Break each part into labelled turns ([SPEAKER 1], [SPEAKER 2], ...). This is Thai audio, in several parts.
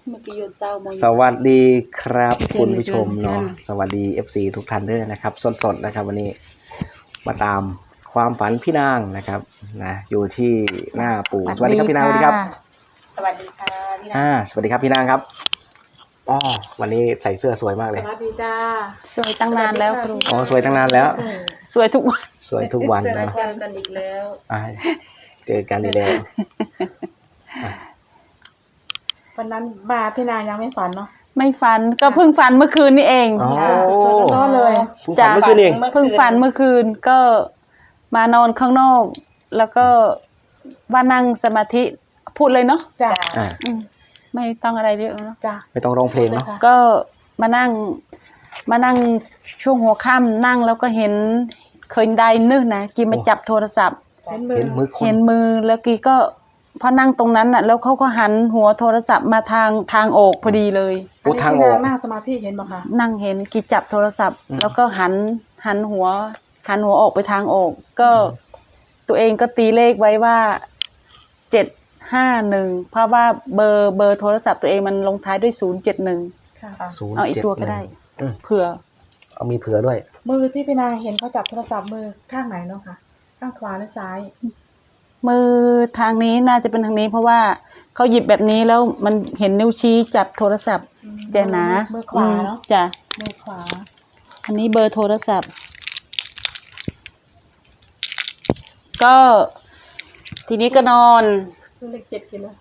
[SPEAKER 1] สวัสดีครับคุณผู้ชมเนาะสวัสดี FC ทุกท่านด้วยนะครับสดๆนะครับวันนี้มาตามความฝันพี่นางนะครับนะอยู่ที่หน้าปู่สวัสดีครับพี่นางสวัสดีครับ
[SPEAKER 2] สวัสดีค่ะพี่นาง
[SPEAKER 1] สวัสดีครับพี่นางครับอ๋อวันนี้ใส่เสื้อสวยมากเลย
[SPEAKER 2] สวัสดีจ้า
[SPEAKER 3] สวยตั้งนานแล้วครู
[SPEAKER 1] อ๋อสวยตั้งนานแล้ว
[SPEAKER 3] สวยทุกวัน
[SPEAKER 1] สวยทุกวัน
[SPEAKER 2] เจอ
[SPEAKER 1] นะ
[SPEAKER 2] กันอีกแล้ว
[SPEAKER 1] เจอกันอีกแล้ว
[SPEAKER 2] วันนั้นมาพี่นางยังไม่ฝันเนาะ
[SPEAKER 3] ไม่ฝันก็เพิ่งฝันเมื่อคืนนี่เอง
[SPEAKER 1] อ๋อ
[SPEAKER 2] ร้อนเลย
[SPEAKER 1] ฝันเมื่อคืนเอง
[SPEAKER 3] เพิ่งฝันเมื่อคืนก็มานอนข้างนอก แล้วก็ว่านั่งสมาธิพูดเลยเนาะ
[SPEAKER 2] จ้า
[SPEAKER 3] ไม่ต้องอะไรเยอะเนาะ
[SPEAKER 2] จ้า
[SPEAKER 1] ไม่ต้องร้องเพลงเนาะ
[SPEAKER 3] ก็มานั่งช่วงหัวค่ำนั่งแล้วก็เห็นเคยได้นึกนะกีมาจับโทรศัพท์
[SPEAKER 1] เห็นมือคน
[SPEAKER 3] เห็นมือแล้วกีก็พอนั่งตรงนั้นน่ะแล้วเขาก็หันหัวโทรศัพท์มาทางออกพอดีเลย
[SPEAKER 1] โอ้ทางออก
[SPEAKER 2] นั่งสมาธิเห็นไหมคะ
[SPEAKER 3] นั่งเห็นกีจับโทรศัพท์ แล้วก็หันหัวออกไปทางออกก็ตัวเองก็ตีเลขไว้ว่า751เพราะว่าเบอร์โทรศัพท์ตัวเองมันลงท้ายด้วย071
[SPEAKER 2] ค่ะ
[SPEAKER 3] เอาอีกตัวก็ได้เผื่อ
[SPEAKER 1] เอามีเผื่อด้วย
[SPEAKER 2] มือที่พี่นางเห็นเขาจับโทรศัพท์มือข้างไหนเนาะค่ะข้างขวาหรือซ้าย
[SPEAKER 3] มือทางนี้น่าจะเป็นทางนี้เพราะว่าเขาหยิบแบบนี้แล้วมันเห็นนิ้วชี้จับโทรศัพท์จะหนา
[SPEAKER 2] มือขวาเนาะ
[SPEAKER 3] จ้ะ
[SPEAKER 2] มือขวา
[SPEAKER 3] อันนี้เบอร์โทรศัพท์ก็ทีนี้ก็นอน
[SPEAKER 2] เลข7กิโล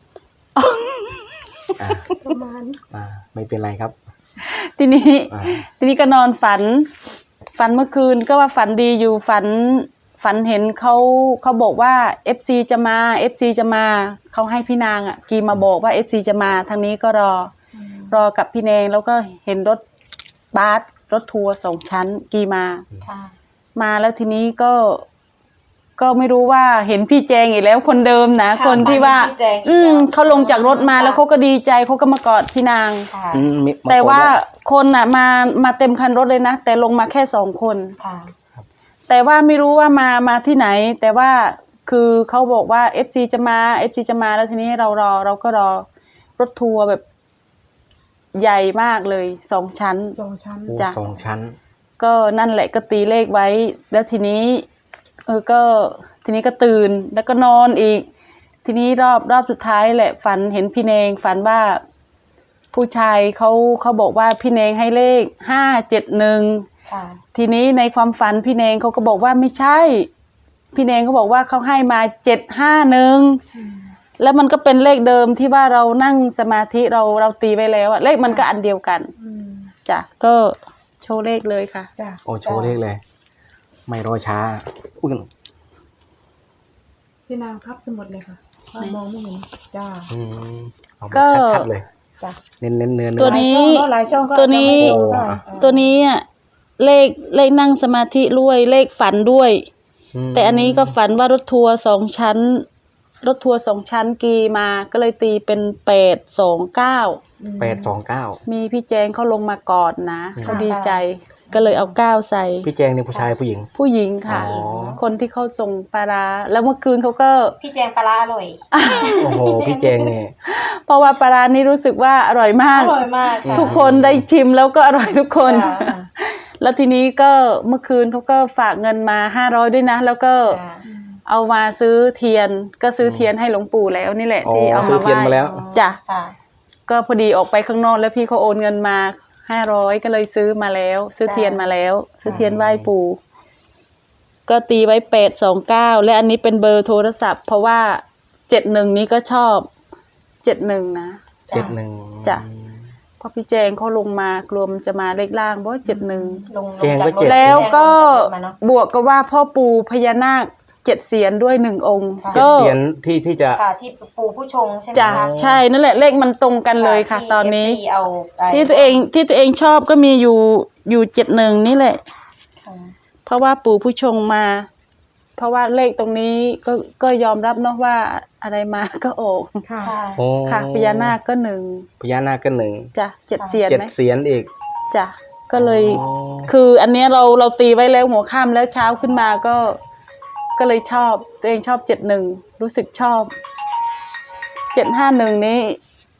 [SPEAKER 2] ประมาณ
[SPEAKER 1] ไม่เป็นไรครับ
[SPEAKER 3] ทีนี้ก็นอนฝันเมื่อคืนก็ว่าฝันดีอยู่ฝันเห็นเขาบอกว่า FC จะมา เขาให้พี่นางกีมาบอกว่า FC จะมาทางนี้ก็รอกับพี่แนงแล้วก็เห็นรถบัสรถทัวร์2 ชั้นกีมาแล้วทีนี้ก็ไม่รู้ว่าเห็นพี่แจงอีกแล้วคนเดิมนะคนที่ว่าเขาลงจากรถมาแล้วเขาก็ดีใจเขาก็มากอดพี่นางแต่ว่าคนมาเต็มคันรถเลยนะแต่ลงมาแค่2 คนแต่ว่าไม่รู้ว่ามาที่ไหนแต่ว่าคือเขาบอกว่า FC จะมาแล้วทีนี้เราก็รอรถทัวร์แบบใหญ่มากเลย2 ชั้น
[SPEAKER 1] จ้ะ2 ชั้น
[SPEAKER 3] ก็นั่นแหละก็ตีเลขไว้แล้วทีนี้ก็ตื่นแล้วก็นอนอีกทีนี้รอบสุดท้ายแหละฝันเห็นพี่เนงฝันว่าผู้ชายเขาบอกว่าพี่เนงให้เลข571ทีนี้ในความฝันพี่เนงเขาก็บอกว่าไม่ใช่พี่เนงเขาบอกว่าเขาให้มา751แล้วมันก็เป็นเลขเดิมที่ว่าเรานั่งสมาธิเราตีไว้แล้วเลขมันก็อันเดียวกันจ้ะก็โชว์เลขเลยค่ะ
[SPEAKER 1] โอ้โชว์เลขเลยไม่รอช้า
[SPEAKER 2] พี่นางพับสมุดเลยค่ะมองไม่เห็นจ้า
[SPEAKER 3] ก็
[SPEAKER 1] ชัดๆเลย
[SPEAKER 2] จ้ะ
[SPEAKER 1] เน้น
[SPEAKER 3] ตัวนี้เลขนั่งสมาธิด้วยเลขฝันด้วยแต่อันนี้ก็ฝันว่ารถทัวร์2 ชั้นกีมาก็เลยตีเป็น829มีพี่แจงเขาลงมากอดนะเขาดีใจก็เลยเอา9ใส่
[SPEAKER 1] พี่แจงนี่ผู้ชายผู้หญิง
[SPEAKER 3] ค่ะคนที่เขาส่งปลาร้าแล้วเมื่อคืนเขาก็
[SPEAKER 2] พี่แจงปลาร้าอร่อย
[SPEAKER 1] โอ้โหพี่แจงเนี่ย
[SPEAKER 3] เพราะว่าปลาร้านี่รู้สึกว่าอร่อยมากทุกคนได้ชิมแล้วก็อร่อยทุกคนแล้วทีนี้ก็เมื่อคืนเขาก็ฝากเงินมา500ด้วยนะแล้วก็เอามาซื้อเทียนให้หลวงปู่แล้วนี่แหละที่เอามาไหว้จ้ะก็พอดีออกไปข้างนอกแล้วพี่เขาโอนเงินมา500ก็เลยซื้อมาแล้วซื้อเทียนมาแล้วซื้อเทียนไหว้ปู่ก็ตีไว้829และอันนี้เป็นเบอร์โทรศัพท์เพราะว่า71นี้ก็ชอบ71นะ
[SPEAKER 1] 71
[SPEAKER 3] จ้ะพอพี่แจงเขาลงมากลัวมันจะมาเลขล่างเพราะ71
[SPEAKER 2] ลงจาก
[SPEAKER 3] แล้วก็บวกกับว่าพ่อปู่พญานาค7 เสียนด้วย1 องค์
[SPEAKER 1] ก็เสียนที่จะ
[SPEAKER 2] ที่ปู่ผู้ชงใช่ไหม
[SPEAKER 3] จ้ะใช่นั่นแหละเลขมันตรงกันเลยค่ะตอนนี้ที่ตัวเองชอบก็มีอยู่71นี่แหละเพราะว่าปู่ผู้ชงมาเพราะว่าเลขตรงนี้ก็ยอมรับเนาะว่าอะไรมาก็ออกค่ะพญานาคก็1จ้ะ7 เสียนไหม
[SPEAKER 1] 7 เสียนอีก
[SPEAKER 3] จ้ะก็เลยคืออันเนี้ยเราตีไว้แล้วหัวค่ำแล้วเช้าขึ้นมาก็เลยชอบตัวเองชอบ71รู้สึกชอบ751นี้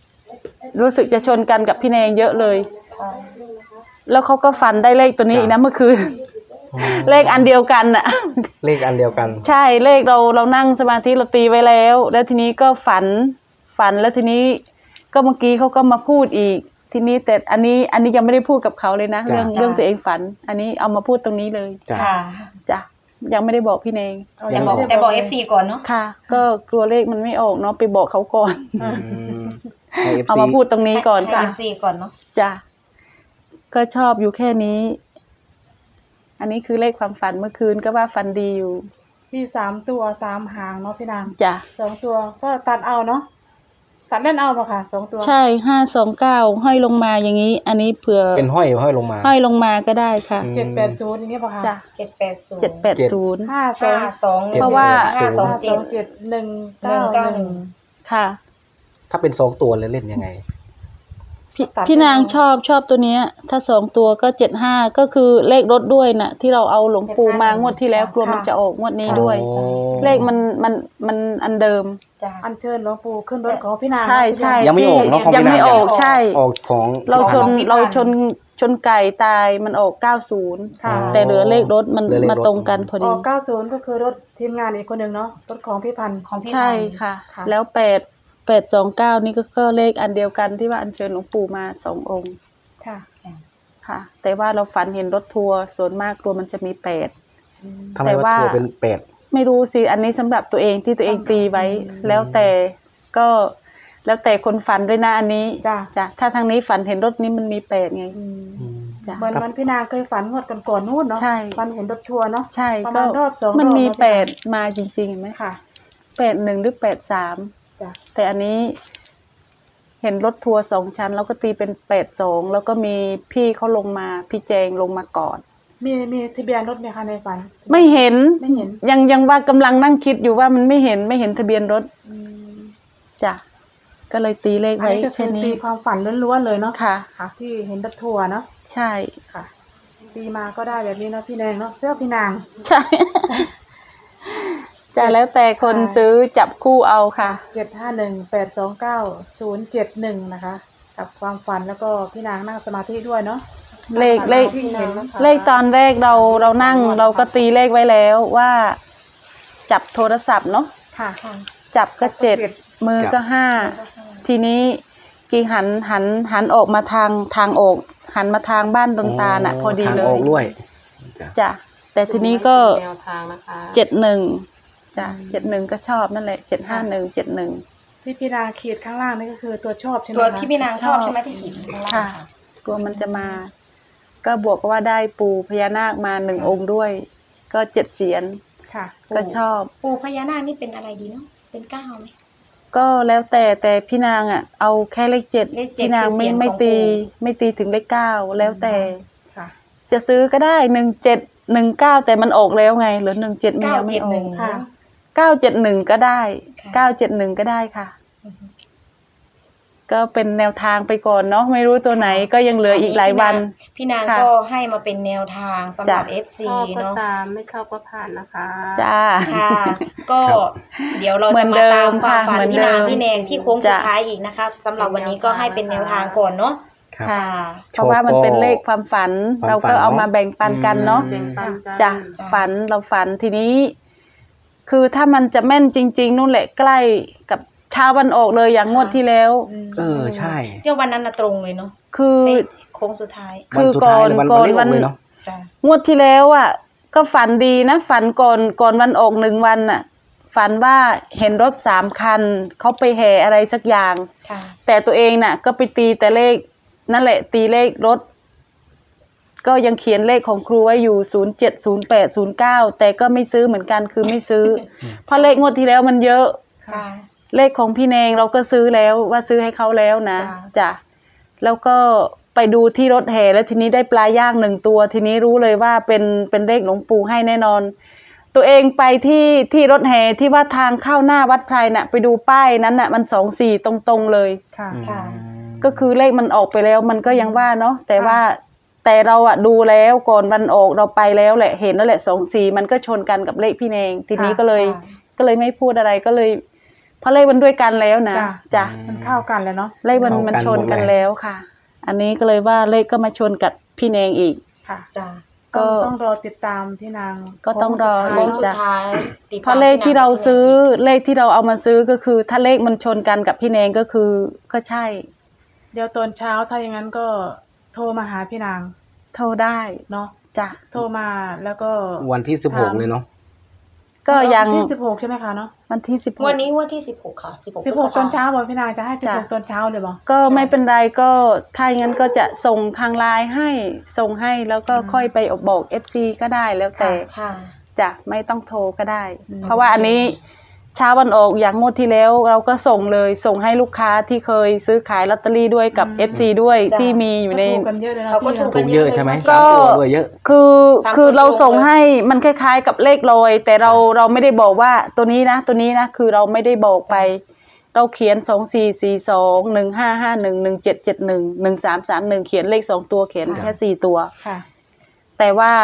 [SPEAKER 3] รู้สึกจะชนกันกับพี่แนงเยอะเลย
[SPEAKER 2] ค่ะ
[SPEAKER 3] แล้วเขาก็ฝันได้เลขตัวนี้อีกนะเมื่อคืน เลขอันเดียวกันน่ะ
[SPEAKER 1] เลขอันเดียวกัน
[SPEAKER 3] ใช่เลขเรานั่งสมาธิเราตีไว้แล้ว แล้วทีนี้ก็ฝันแล้วทีนี้ก็เมื่อกี้เขาก็มาพูดอีก ทีนี้แต่อันนี้ยังไม่ได้พูดกับเขาเลยนะ
[SPEAKER 1] จ้ะ
[SPEAKER 3] เรื่องตัวเองฝัน อันนี้เอามาพูดตรงนี้เลย
[SPEAKER 1] จ้ะ
[SPEAKER 4] ค่ะ
[SPEAKER 3] จ้ะยังไม่ได้บอกพี่เนง
[SPEAKER 4] แต่บอก FC ก่อนเนาะ
[SPEAKER 3] ค่ะ ก็กลัวเลขมันไม่ออกเนาะไปบอกเขาก่อน
[SPEAKER 1] อืมให้
[SPEAKER 3] เอา
[SPEAKER 1] FC
[SPEAKER 3] มาพูดตรงนี้ก่อน
[SPEAKER 4] ให้
[SPEAKER 3] ค่ะ
[SPEAKER 4] FC ก่อนเนาะ
[SPEAKER 3] จ้ะก็ชอบอยู่แค่นี้ อันนี้คือเลขความฝันเมื่อคืนก็ว่าฝันดีอยู่
[SPEAKER 2] มี3 ตัว 3 หางเนาะพี่นาง
[SPEAKER 3] จ้ะ
[SPEAKER 2] 2 ตัวก็ตัดเอาเนาะตัดเล่นเอาป่ะค่ะ2 ตัว
[SPEAKER 3] ใช่529ห้อยลงมาอย่างนี้ อันนี้เผื่อ
[SPEAKER 1] เป็นห้อยลงมา
[SPEAKER 3] ห้อยลงมาก็ได้ค่ะ
[SPEAKER 1] อืม
[SPEAKER 2] 780อย่างเงี้ยป่ะคะ
[SPEAKER 3] จ้ะ
[SPEAKER 4] 780
[SPEAKER 3] 780
[SPEAKER 2] 52
[SPEAKER 3] เพราะว่า
[SPEAKER 2] 527 191
[SPEAKER 3] ค่ะ
[SPEAKER 1] ถ้าเป็น2 ตัวเลยเล่นยังไง
[SPEAKER 3] พี่นางชอบตัวเนี้ย ถ้า2 ตัวก็75ก็คือเลขรถด้วยน่ะ ที่เราเอาหลวงปู่มางวดที่แล้วกลัวมันจะออกงวดนี้ด้วย
[SPEAKER 1] อ๋อ
[SPEAKER 3] เลขมันอันเดิม
[SPEAKER 4] จ้ะ
[SPEAKER 2] อัญเชิญหลวงปู่ขึ้นรถของพี่นาง
[SPEAKER 3] ใช่ใช่
[SPEAKER 1] ยังไม่ออกเนอะของพี่
[SPEAKER 3] ยังไม่
[SPEAKER 1] นาง
[SPEAKER 3] ออกใช่
[SPEAKER 1] ออกของ
[SPEAKER 3] เราชน
[SPEAKER 4] ของพี่
[SPEAKER 3] เรา
[SPEAKER 4] พันธุ์
[SPEAKER 3] ชนไก่ตายมันออก90
[SPEAKER 2] ค่ะ
[SPEAKER 3] แต่เหลือเลขรถมัน
[SPEAKER 1] เหลือเลขรถ
[SPEAKER 3] มาตรงกันพอ
[SPEAKER 2] อ
[SPEAKER 3] ดี
[SPEAKER 2] อก90ก็คือรถทีมงานอีกคนหนึ่งเนาะรถของพี่พันธุ์
[SPEAKER 4] ของพี่
[SPEAKER 3] ใช่
[SPEAKER 4] พันธุ์
[SPEAKER 3] ค่ะ
[SPEAKER 2] ค่ะ
[SPEAKER 3] แล้ว829นี่ก็เลขอันเดียวกันที่ว่าอัญเชิญหลวงปู่มา2 องค์
[SPEAKER 2] ค่ะ
[SPEAKER 3] ค่ะ แต่ว่าเราฝันเห็นรถทัวร์ส่วนมากกลัวมันจะมี8
[SPEAKER 1] ทำไม
[SPEAKER 3] แต่
[SPEAKER 1] ว่า
[SPEAKER 3] ว่า
[SPEAKER 1] ตัวเป็นเป็ด
[SPEAKER 3] ไม่รู้สิอันนี้สำหรับตัวเองที่ตัวเองตีไว้ แล้วแต่คนฝันด้วยนะอันนี้
[SPEAKER 2] จ้ะ
[SPEAKER 3] จ้ะถ้าทางนี้ฝันเห็นรถนี้มันมี8ไง
[SPEAKER 2] อืม
[SPEAKER 3] จ้ะ
[SPEAKER 2] เหมือนพี่นางเคยฝันงวดก่อนๆนู่นเนาะ
[SPEAKER 3] ใช่
[SPEAKER 2] ฝันเห็นรถทัวร์เนาะ
[SPEAKER 3] ใช่
[SPEAKER 2] ประ
[SPEAKER 3] ก็
[SPEAKER 2] มาณรอบ2
[SPEAKER 3] มันมี
[SPEAKER 2] รอบเนาะพี่นาง
[SPEAKER 3] 8มาจริงๆเห็นไหม
[SPEAKER 2] ค่ะ
[SPEAKER 3] 81หรือ83
[SPEAKER 2] จ้ะ
[SPEAKER 3] แต่อันนี้ เห็นรถทัวร์2 ชั้นแล้วก็ตีเป็น82แล้วก็มีพี่เขาลงมาพี่แจงลงมาก่อน
[SPEAKER 2] มีทะเบียนรถไหมคะในฝัน
[SPEAKER 3] ไม่เห็น
[SPEAKER 2] ไม่เห็น
[SPEAKER 3] ยังว่ากำลังนั่งคิดอยู่ว่ามันไม่เห็นทะเบียนรถ
[SPEAKER 2] อืม
[SPEAKER 3] จ้ะก็เลยตีเลข
[SPEAKER 2] อัน
[SPEAKER 3] ไว้
[SPEAKER 2] นี้ก็คื
[SPEAKER 3] แค่
[SPEAKER 2] อตี
[SPEAKER 3] นี้
[SPEAKER 2] ความฝันล้วนๆเลยเนาะ
[SPEAKER 3] ค่ะ
[SPEAKER 2] ค่ะ ที่เห็นรถทัวร์เนาะ
[SPEAKER 3] ใช่
[SPEAKER 2] ค่ะตีมาก็ได้แบบนี้เนาะพี่แดงเนาะเพื่อพี่นาง
[SPEAKER 3] ใช่ จะแล้วแต่คนซื้อจับคู่เอาค่ะ
[SPEAKER 2] 751829071นะคะกับความฝันแล้วก็พี่นางนั่งสมาธิด้วยเนาะ
[SPEAKER 3] เลข
[SPEAKER 2] ที่เห็นนะคะ
[SPEAKER 3] เลขตอนแรกเรานั่งเราก็ตีเลขไว้แล้วว่า จับโทรศัพท์เนาะ
[SPEAKER 2] ค่ะ
[SPEAKER 3] จับก็7มือก็5ทีนี้กี่หันออกมาทางออกหันมาทางบ้านดนตาลน่ะ พอดีเล
[SPEAKER 1] ทางอย อกด้วยจ้ะ
[SPEAKER 3] จ้ะแต่ทีนี้ก็
[SPEAKER 4] แนวทางนะคะ
[SPEAKER 3] 71จ้ะ71ก็ชอบนั่นแหละ751 71
[SPEAKER 2] ที่พี่นางขีดข้างล่างนี่ก็คือตัวชอบใช่ไหม
[SPEAKER 4] ตัว
[SPEAKER 2] คะ
[SPEAKER 4] ที่พี่นางชอบใช่ไหมที่ขีดข้างล่าง
[SPEAKER 3] ค่ะ กลัวมันจะมา ก็บวกว่าได้ปู่พญานาคมา1 องค์ด้วย ก็7 เสียน
[SPEAKER 2] ค่ะ
[SPEAKER 3] ก็ชอบ
[SPEAKER 4] ปู่พญานาคนี่เป็นอะไรดีเนาะเป็น9ไหม
[SPEAKER 3] ก็แล้วแต่พี่นางอ่ะ เอาแค่เลข
[SPEAKER 4] เลข
[SPEAKER 3] 7
[SPEAKER 4] 7
[SPEAKER 3] พี่นาง
[SPEAKER 4] คือเสียง
[SPEAKER 3] ไม่
[SPEAKER 4] ของ
[SPEAKER 3] ตี
[SPEAKER 4] ปู่
[SPEAKER 3] ไม่ตีถึงเลข9แล้วแต่
[SPEAKER 2] ค่ะ
[SPEAKER 3] จะซื้อก็ได้1719แต่มันออกแล้วไงเหลือ17มันยังไม่ออก
[SPEAKER 4] 971
[SPEAKER 2] ค่ะ
[SPEAKER 3] 971ก็ได้
[SPEAKER 4] ค่ะ
[SPEAKER 3] 971ก็ได้ค่ะ ก็เป็นแนวทางไปก่อนเนาะไม่รู้ตัวไหนก็ยังเหลืออีกหลายวัน
[SPEAKER 4] พี่นาง
[SPEAKER 3] ค่ะ
[SPEAKER 4] ก็ให้มาเป็นแนวทางสำหรับ
[SPEAKER 3] จ้ะ
[SPEAKER 4] FC
[SPEAKER 5] ชอบก็
[SPEAKER 4] เนาะ
[SPEAKER 5] ตามไม่ชอบก็ผ่านนะคะ
[SPEAKER 3] จ้า
[SPEAKER 4] ค่ะ ก็
[SPEAKER 1] ครับ
[SPEAKER 4] เดี๋ยวเรา
[SPEAKER 3] เหมื
[SPEAKER 4] จะ
[SPEAKER 3] อน
[SPEAKER 4] มา
[SPEAKER 3] เดิ
[SPEAKER 4] ตาม
[SPEAKER 3] ม
[SPEAKER 4] ความ
[SPEAKER 3] ค่ะ
[SPEAKER 4] ฝัน
[SPEAKER 3] เหมือน
[SPEAKER 4] พี่นาง
[SPEAKER 3] เดิม
[SPEAKER 4] พี่แนงที่โค้งสุด
[SPEAKER 3] จ้ะ
[SPEAKER 4] ท้ายอีกนะคะสำหรับวันนี้ก็ให้เป็นแนวทางก่อนเนาะ
[SPEAKER 1] ครับ
[SPEAKER 3] ค่ะ
[SPEAKER 4] ค่ะ
[SPEAKER 3] เพราะว่ามันเป็นเลขความฝัน
[SPEAKER 1] ความฝัน
[SPEAKER 3] เราก็เอามาแบ่งปันกันเนาะ
[SPEAKER 5] เป็นปันกัน
[SPEAKER 3] จ้ะฝันเราฝันทีนี้ คือถ้ามันจะแม่นจริง ๆนู่นแหละใกล้กับเช้าวันออกเลยอย่างงวดที่แล้ว
[SPEAKER 1] ใช่
[SPEAKER 4] เที่ยววันนั้นน่ะตรงเลยเนาะ
[SPEAKER 3] คือ
[SPEAKER 4] ในโค้งสุดท้าย
[SPEAKER 3] คือ
[SPEAKER 1] วันสุดท้ายเลย
[SPEAKER 3] ก่อน
[SPEAKER 1] เลขออกเลยเนาะ
[SPEAKER 4] จ้ะ
[SPEAKER 3] งวดที่แล้วอ่ะ ก็ฝันดีนะฝันก่อนวันออก1 วันน่ะ ฝันว่าเห็นรถ3 คันเขาไปแห่อะไรสักอย่าง
[SPEAKER 4] ค่ะ
[SPEAKER 3] แต่ตัวเองน่ะ ก็ไปตีแต่เลขนั่นแหละ ตีเลขรถ ก็ยังเขียนเลขของครูไว้อยู่070809แต่ก็ไม่ซื้อเหมือนกันคือไม่ซื้อ เพราะเลขงวดที่แล้วมันเยอะ
[SPEAKER 4] ค่ะ
[SPEAKER 3] เลขของพี่แนงเราก็ซื้อแล้วว่าซื้อให้เขาแล้วนะ
[SPEAKER 4] จ้ะ
[SPEAKER 3] จ้ะแล้วก็ไปดูที่รถแห่แล้วทีนี้ได้ปลาย่าง1 ตัว ทีนี้รู้เลยว่าเป็นเลขหลวงปู่ให้แน่นอน ตัวเองไปที่รถแห่ที่ว่าทางเข้าหน้าวัดไพรน่ะ ไปดูป้ายนั้นน่ะมัน24ตรงๆเลย
[SPEAKER 2] ค่ะ
[SPEAKER 4] ค่ะ
[SPEAKER 3] ก็คือเลขมันออกไปแล้วมันก็ยังว่าเนาะแต่เราอะดูแล้วก่อนวันออกเราไปแล้วแหละเห็นแล้วแหละ24มันก็ชนกันกับเลขพี่แนงทีนี้ก็เลยไม่พูดอะไรก็เลยเพราะเลขมันด้วยกันแล้วนะ
[SPEAKER 2] จ้ะ
[SPEAKER 3] จ้ะ
[SPEAKER 2] มันเข้ากันแล้วเนาะ
[SPEAKER 3] เลขมันชนกันแล้วค่ะ อันนี้ก็เลยว่าเลขก็มาชนกับพี่แนงอีก
[SPEAKER 2] ค่ะ
[SPEAKER 4] จ้า
[SPEAKER 3] ก็
[SPEAKER 2] ต้องรอติดตามพี่นาง
[SPEAKER 3] ก็ต้องรอ
[SPEAKER 2] โค้
[SPEAKER 4] โค้
[SPEAKER 2] ง
[SPEAKER 4] ง
[SPEAKER 2] สุ
[SPEAKER 4] สุ
[SPEAKER 2] ด
[SPEAKER 4] ด
[SPEAKER 2] ท้าย
[SPEAKER 4] ท้ายติดตม
[SPEAKER 3] เพราะเลขที่เรา
[SPEAKER 4] พี่นง
[SPEAKER 3] ซื้อเลขที่เราเอามาซื้อก็คือ ถ้าเลขมันชนกันกับพี่แนงก็คือก็ใช่
[SPEAKER 2] เดี๋ยวตอนเช้าถ้าอย่างนั้นก็โทรมาหาพี่นาง
[SPEAKER 3] โทรได้
[SPEAKER 2] เนาะ
[SPEAKER 3] จ้ะ
[SPEAKER 2] โทรมาแล้วก็
[SPEAKER 1] วันที่16เลยเนาะ
[SPEAKER 3] ก็ยัง
[SPEAKER 2] ที่16ใช่ไหมคะเนาะ
[SPEAKER 3] วันที่16
[SPEAKER 4] วันนี้วันที่16ค่ะ16
[SPEAKER 2] 16ตอนเช้าบอกพี่นางจะให้
[SPEAKER 3] จ้ะ
[SPEAKER 2] 16ตอนเช้าเลยบอก
[SPEAKER 3] ก็ไม่เป็นไรก็ถ้าอย่างนั้นก็จะส่งทางไลน์ให้ส่งให้แล้วก็ค่อยไปบอก FC ก็ได้แล้วแต่
[SPEAKER 4] ค่ะ
[SPEAKER 3] จะไม่ต้องโทรก็ได้
[SPEAKER 2] อืม
[SPEAKER 3] เพราะว่าอันนี้เช้าวันออกอย่างงวดที่แล้วเราก็ส่งเลยส่งให้ลูกค้าที่เคยซื้อขายลอตเตอรี่ด้วยกับ FC ด้วย
[SPEAKER 4] จ้ะ
[SPEAKER 3] ที่มีอยู่ใน
[SPEAKER 2] ก็ถูกกันเยอะเลยนะ
[SPEAKER 4] เขาก็
[SPEAKER 2] พี่
[SPEAKER 4] ถูก
[SPEAKER 2] นะ
[SPEAKER 1] ถูกเยอะใช่ไหม
[SPEAKER 3] ก็
[SPEAKER 1] สามตัวด้วยเยอะ
[SPEAKER 3] คือ
[SPEAKER 4] สาม
[SPEAKER 3] คือ
[SPEAKER 4] ตัว
[SPEAKER 3] เราส่ง
[SPEAKER 4] ตรงเลย
[SPEAKER 3] ให้มันคล้ายๆกับเลขลอย แต่เราไม่ได้บอกว่าตัวนี้นะตัวนี้นะคือเราไม่ได้บอกไป เราเขียน2442 1551 1771 1331เขียนเลข2ตัวเขียนแค่4ตัว
[SPEAKER 2] ค่ะ
[SPEAKER 3] แต่ว่า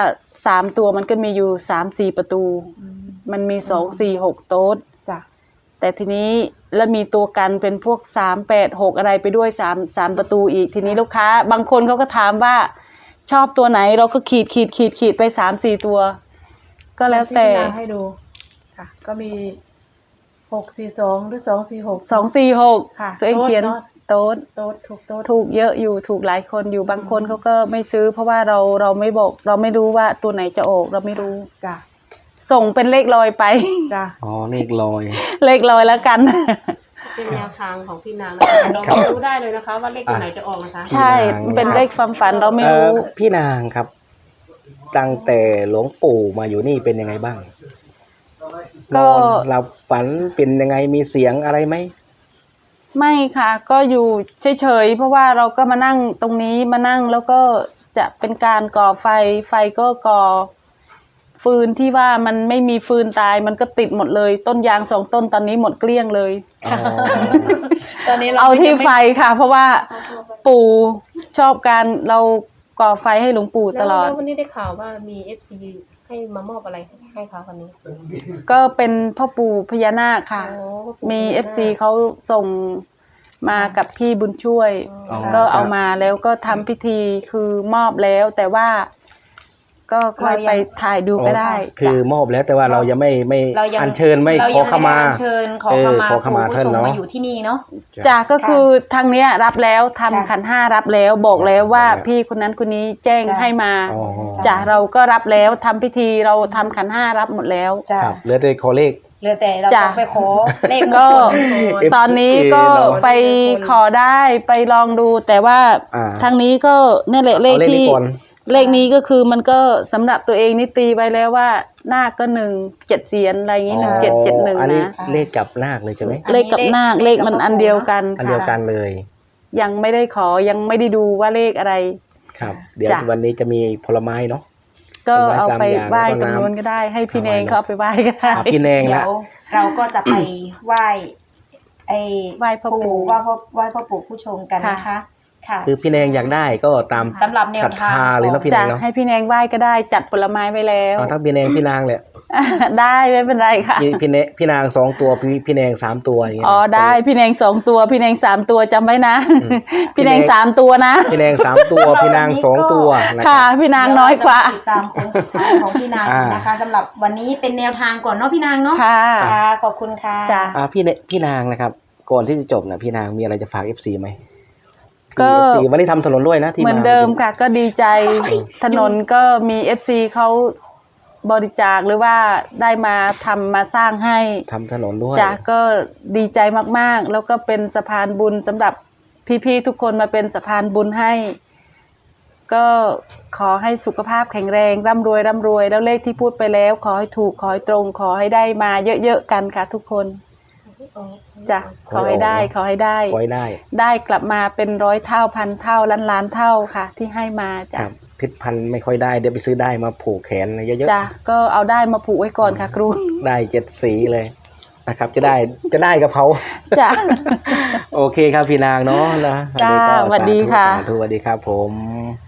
[SPEAKER 3] 3ตัวมันก็มีอยู่3-4ประตู
[SPEAKER 2] อืม
[SPEAKER 3] มันมี2-4-6 โต๊ด
[SPEAKER 2] จ้ะ
[SPEAKER 3] แต่ทีนี้แล้วมีตัวกันเป็นพวก3-8-6อะไรไปด้วย3ประตูอีกทีนี้ลูกค้าบางคนเขาก็ถามว่าชอบตัวไหนเราก็ขีดไป3-4ตัว ก็แล้วแต่
[SPEAKER 2] ที่พี่นางให้ดูค่ะ ก็มี642หรือ246
[SPEAKER 3] 2-4-6
[SPEAKER 2] ค่ะ
[SPEAKER 3] ตัวเองเขียนโต๊ด
[SPEAKER 2] โต๊ดถูกโต๊ด
[SPEAKER 3] ถูกเยอะอยู่ถูกหลายคนอยู่บางคนเขาก็ไม่ซื้อ เพราะว่าเราไม่บอกเราไม่รู้ว่าตัวไหนจะออกเราไม่รู้
[SPEAKER 2] จ้ะ
[SPEAKER 3] ส่งเป็นเลขลอยไป
[SPEAKER 2] จ้ะ
[SPEAKER 1] อ๋อเลขลอย
[SPEAKER 3] เลขลอยแล้วกัน
[SPEAKER 5] เป็นแนวทางของพี่นางนะคะเรา
[SPEAKER 1] ครับ
[SPEAKER 5] ไม่รู้ได้เลยนะคะ ว่าเลขตัวไหนจะออกนะคะ
[SPEAKER 3] ใช่มันเป็นเลขความฝันเราไม่รู้
[SPEAKER 1] พี่นางครับ ตั้งแต่หลวงปู่มาอยู่นี่เป็นยังไงบ้าง
[SPEAKER 3] ก็
[SPEAKER 1] นอนหลับฝันเป็นยังไงมีเสียงอะไรไหม
[SPEAKER 3] ไม่ค่ะก็อยู่เฉยๆเพราะว่าเราก็มานั่งตรงนี้มานั่งแล้วก็จะเป็นการก่อไฟก็ก่อฟืนที่ว่ามันไม่มีฟืนตายมันก็ติดหมดเลย ต้นยาง2 ต้นตอนนี้หมดเกลี้ยงเลย
[SPEAKER 1] อ๋อ
[SPEAKER 4] ตอนนี้เรา
[SPEAKER 3] เอาที่ไฟค่ะ เพราะว่าปู่ชอบการเราก่อไฟให้หลวงปู่ตลอด
[SPEAKER 5] แล้ววันนี้ได้ข่าวว่ามี FC ให้มามอบอะไรให้เขาวันนี้
[SPEAKER 3] ก็เป็นพ่อปู่พญานาคค่ะ
[SPEAKER 5] โอ้
[SPEAKER 3] มี FC เขาส่งมากับพี่บุญช่วย
[SPEAKER 1] อ๋อ
[SPEAKER 3] ก็เอามาแล้วก็ทำพิธีคือมอบแล้วแต่ว่าก็ค่อยไปถ่ายดูก็ได้
[SPEAKER 1] คือมอบแล้วแต่ว่าเรายังไม่
[SPEAKER 4] เรายัง
[SPEAKER 1] อัญเชิญไม่
[SPEAKER 4] เรา
[SPEAKER 1] ขอ
[SPEAKER 4] ยัง
[SPEAKER 1] ขมา
[SPEAKER 4] ไได้อัญเชิญขอขมา
[SPEAKER 1] ขอขมา
[SPEAKER 4] ผู้
[SPEAKER 1] ท่าน
[SPEAKER 4] ชม
[SPEAKER 1] เนาะ
[SPEAKER 4] มาอยู่ที่นี่เนาะ
[SPEAKER 3] จ้ะก็คือทางเนี้ยรับแล้วทำ
[SPEAKER 4] จ้ะ
[SPEAKER 3] ขันห้ารับแล้วบอกแล้วว่า
[SPEAKER 1] ครับ
[SPEAKER 3] พี่คนนั้นคนนี้แจ้ง
[SPEAKER 4] จ้ะ
[SPEAKER 3] ให้มา
[SPEAKER 1] อ๋อ
[SPEAKER 3] จ้ะเราก็รับแล้วทำพิธีเราทำขันห้ารับหมดแล้ว
[SPEAKER 4] จ้ะ
[SPEAKER 1] ครับเหลือแต่ขอเลข
[SPEAKER 4] เหลือแต่เรา
[SPEAKER 3] จ้ะ
[SPEAKER 4] ต้องไปขอเลขมง
[SPEAKER 3] ก็
[SPEAKER 4] คล
[SPEAKER 3] ตอนนี้ก็
[SPEAKER 1] เรา
[SPEAKER 3] ไปขอได้ไปลองดู แต่ว่า
[SPEAKER 1] อ่า
[SPEAKER 3] ทางนี้ก็เนี่ยแหละเลข
[SPEAKER 1] เอาเลขนี้
[SPEAKER 3] ที่
[SPEAKER 1] ก่อน
[SPEAKER 3] เลขนี้ก็คือมันก็สำหรับตัวเองนี่ตีไว้แล้วว่านาคก็1 7 เสียนอะไรอย่างนี้1771
[SPEAKER 1] อันนี้
[SPEAKER 3] นะ
[SPEAKER 1] เลขกับนาคเลยใช่ไหม
[SPEAKER 3] เลขกับนาคเลขมันอันเดียวกัน
[SPEAKER 1] อันเดียว
[SPEAKER 3] ค่ะ
[SPEAKER 1] กันเลย
[SPEAKER 3] ยังไม่ได้ขอยังไม่ได้ดูว่าเลขอะไร
[SPEAKER 1] ครับ เดี๋ยว
[SPEAKER 3] จ้ะ
[SPEAKER 1] วันนี้จะมีผลไม้เนาะ
[SPEAKER 3] ก็เอาไปไหว้
[SPEAKER 1] แล้วก็
[SPEAKER 3] ตรง
[SPEAKER 1] น้ำ
[SPEAKER 3] นู้นก็ได้ ให้พี่
[SPEAKER 1] เอา
[SPEAKER 3] เน
[SPEAKER 1] ไว้
[SPEAKER 3] งเขาเอาไปไหว้ก็ได้
[SPEAKER 1] อ่ะพี่แนง
[SPEAKER 4] เดี๋
[SPEAKER 1] ละ
[SPEAKER 4] ยวเราก็จะไปไหว้ไอ้
[SPEAKER 3] ไหว้พ่อปู่
[SPEAKER 4] ไหว้พ่อปู่ผู้ชมกันนะคะ ค่ะ
[SPEAKER 1] คือพี่แนงอยากได้ก็ตาม
[SPEAKER 4] สำหรับแนว
[SPEAKER 1] ศรัท
[SPEAKER 4] ทาง
[SPEAKER 1] ธาเลยเนาะพี่แน
[SPEAKER 3] จะ
[SPEAKER 1] งเนาะ
[SPEAKER 3] ให้พี่แนงไหว้ก็ได้จัดผลไม้ไว้แล้ว
[SPEAKER 1] เอาทั้งพี่แนงพี่นางแหละ
[SPEAKER 3] ได้ไม่เป็นไรค่ะ
[SPEAKER 1] พี่นาง2 ตัวพี่แนง3 ตัวอย่างเงี้ย
[SPEAKER 3] อ๋อได้พี่แนง2 ตัวพี่แนง3 ตัวจำไว้นะ พี่แนง
[SPEAKER 1] พี่แนง
[SPEAKER 3] 3 ตัวนะ
[SPEAKER 1] พี่แนง3 ตัวพี่นาง2 ตัวนะ
[SPEAKER 3] ค่ะ พี่นางน้อยกว่า
[SPEAKER 4] ติดตามโค้งสุดท้ายของพี่นางนะคะสำหรับวันนี้เป็นแนวทางก่อนเนาะพี่นางเนาะ
[SPEAKER 3] ค่ะ
[SPEAKER 4] ค่ะขอบคุณค่ะ
[SPEAKER 3] จ้ะ
[SPEAKER 1] พี่นางนะครับ ก่อนที่จะจบนะพี่นางมีอะไรจะฝาก FC ไหม
[SPEAKER 3] ก็
[SPEAKER 1] FC วันนี้ทำถนนด้วยนะที่
[SPEAKER 3] เหมือนเดิมค่ะ ก็ดีใจถนนก็มี FC เขาบริจาคหรือว่าได้มาทำมาสร้างให้
[SPEAKER 1] ทำถนนด้วย
[SPEAKER 3] จ้ะก็ดีใจมากๆ แล้วก็เป็นสะพานบุญสำหรับพี่ๆทุกคนมาเป็นสะพานบุญให้ ก็ขอให้สุขภาพแข็งแรงร่ำรวยแล้วเลขที่พูดไปแล้วขอให้ถูกขอให้ตรงขอให้ได้มาเยอะๆกันค่ะทุกคนจ้ะขอให้ได้
[SPEAKER 1] ขอให้ได้ ไว้ได้
[SPEAKER 3] ได้กลับมาเป็น100 เท่า1,000 เท่าล้านเท่าค่ะ ที่ให้มา
[SPEAKER 1] ค
[SPEAKER 3] จ้ะ
[SPEAKER 1] รับพิษพันธุ์ไม่ค่อยได้เดี๋ยวไปซื้อได้มาผูกแขนเยอะ
[SPEAKER 3] จ้ะก็เอาได้มาผูกไว้ก่อนค่ะครู
[SPEAKER 1] ๆได้7 สีเลยนะครับ จะได้กับเขา
[SPEAKER 3] จ้ะ
[SPEAKER 1] โอเคครับพี่นางเนาะนะ
[SPEAKER 3] จ้า
[SPEAKER 1] ก็
[SPEAKER 3] สวัสดีค่ะ
[SPEAKER 1] สาธุสวัสดีครับผม